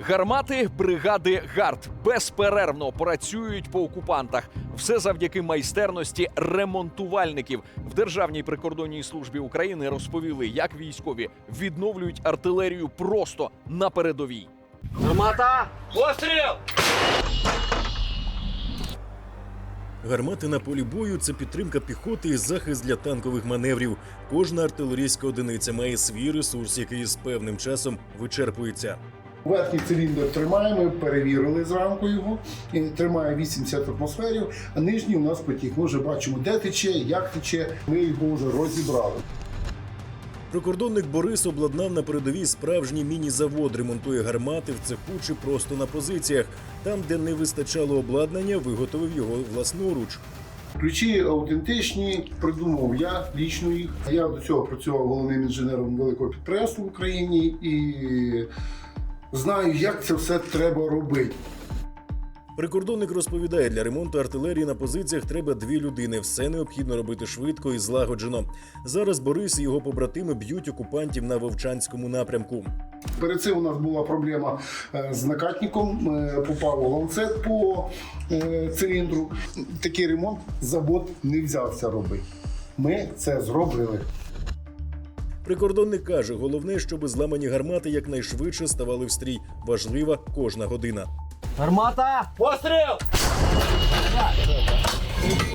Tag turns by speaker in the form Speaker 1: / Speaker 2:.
Speaker 1: Гармати бригади ГАРД безперервно працюють по окупантах. Все завдяки майстерності ремонтувальників. В Державній прикордонній службі України розповіли, як військові відновлюють артилерію просто на передовій.
Speaker 2: Гармата! Постріл!
Speaker 3: Гармати на полі бою – це підтримка піхоти і захист для танкових маневрів. Кожна артилерійська одиниця має свій ресурс, який з певним часом вичерпується.
Speaker 4: Верхній циліндр тримає, ми перевірили зранку його, і тримає 80 атмосферів, а нижній у нас потік. Ми вже бачимо, де тече, як тече, ми його вже розібрали.
Speaker 3: Прикордонник Борис обладнав на передовій справжній міні-завод, ремонтує гармати в цеху чи просто на позиціях. Там, де не вистачало обладнання, виготовив його власноруч.
Speaker 4: Ключі аутентичні, придумав я лічно їх. Я до цього працював головним інженером великого підприємства в Україні і знаю, як це все треба робити.
Speaker 3: Прикордонник розповідає, для ремонту артилерії на позиціях треба 2 людини. Все необхідно робити швидко і злагоджено. Зараз Борис і його побратими б'ють окупантів на Вовчанському напрямку.
Speaker 4: Перед цим у нас була проблема з накатником, попав ланцет по циліндру. Такий ремонт завод не взявся робити. Ми це зробили.
Speaker 3: Прикордонник каже, головне, щоб зламані гармати якнайшвидше ставали в стрій. Важлива кожна година.
Speaker 2: Гармата! Постріл!